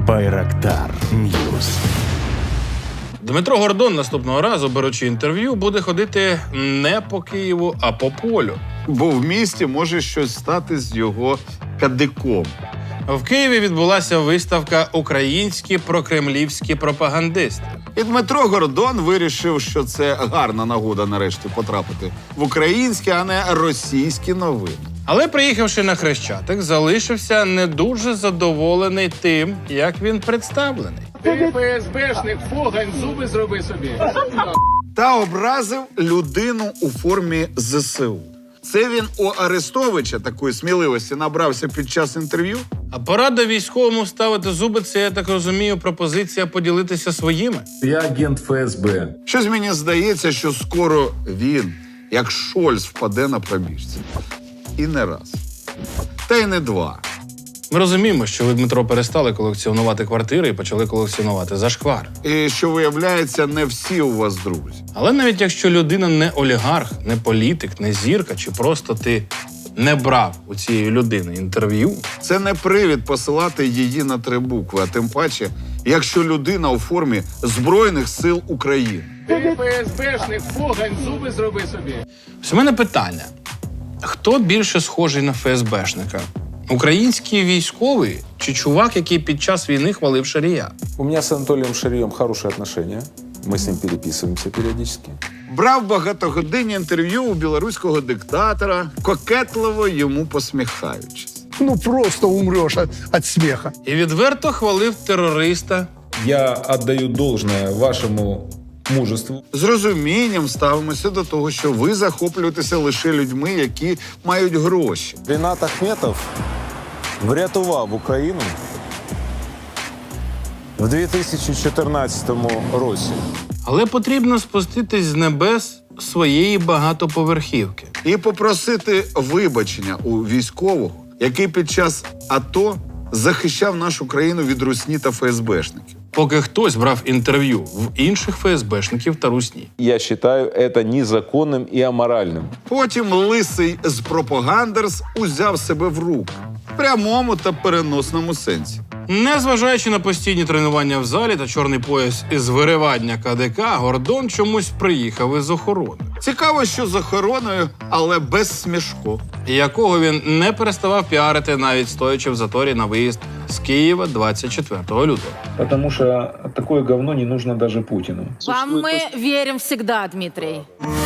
Байрактар Ньюс. Дмитро Гордон наступного разу, беручи інтерв'ю, буде ходити не по Києву, а по полю. Бо в місті може щось стати з його кадиком. В Києві відбулася виставка «Українські прокремлівські пропагандисти». І Дмитро Гордон вирішив, що це гарна нагода нарешті потрапити в українські, а не російські новини. Але, приїхавши на Хрещатик, залишився не дуже задоволений тим, як він представлений. Ти ФСБшник, фогань, зуби зроби собі. Та образив людину у формі ЗСУ. Це він у Арестовича такої сміливості набрався під час інтерв'ю? А порада військовому ставити зуби – це, я так розумію, пропозиція поділитися своїми. Я агент ФСБ. Щось мені здається, що скоро він, як Шольц, впаде на пробіжці. І не раз. Та й не два. Ми розуміємо, що ви, Дмитро, перестали колекціонувати квартири і почали колекціонувати зашквар. І що, виявляється, не всі у вас друзі. Але навіть якщо людина не олігарх, не політик, не зірка, чи просто ти не брав у цієї людини інтерв'ю, Це не привід посилати її на 3 букви, а тим паче, якщо людина у формі Збройних сил України. Ти ФСБшник, фогань, зуби зроби собі. ось у мене питання. Хто більше схожий на ФСБшника? Український військовий чи чувак, який під час війни хвалив Шарія? У меня с Анатолием Шарьем хорошие отношения. Мы с ним переписываемся периодически. Брав багатогодинні інтерв'ю у білоруського диктатора, кокетливо йому посміхаючись. Ну, просто умрешь от смеха. І відверто хвалив терориста. Я отдаю должное вашему мужеству. З розумінням ставимося до того, що ви захоплюєтеся лише людьми, які мають гроші. Рінат Ахметов врятував Україну в 2014 році. Але потрібно спуститись з небес своєї багатоповерхівки. І попросити вибачення у військового, який під час АТО захищав нашу країну від русні та ФСБшників. Поки хтось брав інтерв'ю в інших ФСБшників та русні. Я вважаю це незаконним і аморальним. Потім лисий з пропагандерс узяв себе в руки. В прямому та переносному сенсі. Незважаючи на постійні тренування в залі та чорний пояс із виривання КДК, Гордон чомусь приїхав із охорони, Цікаво, що з охороною, але без смішку. якого він не переставав піарити, навіть стоячи в заторі на виїзд з Києва 24 лютого. Потому что такое говно не нужно даже Путину. Вам мы верим всегда, Дмитрий.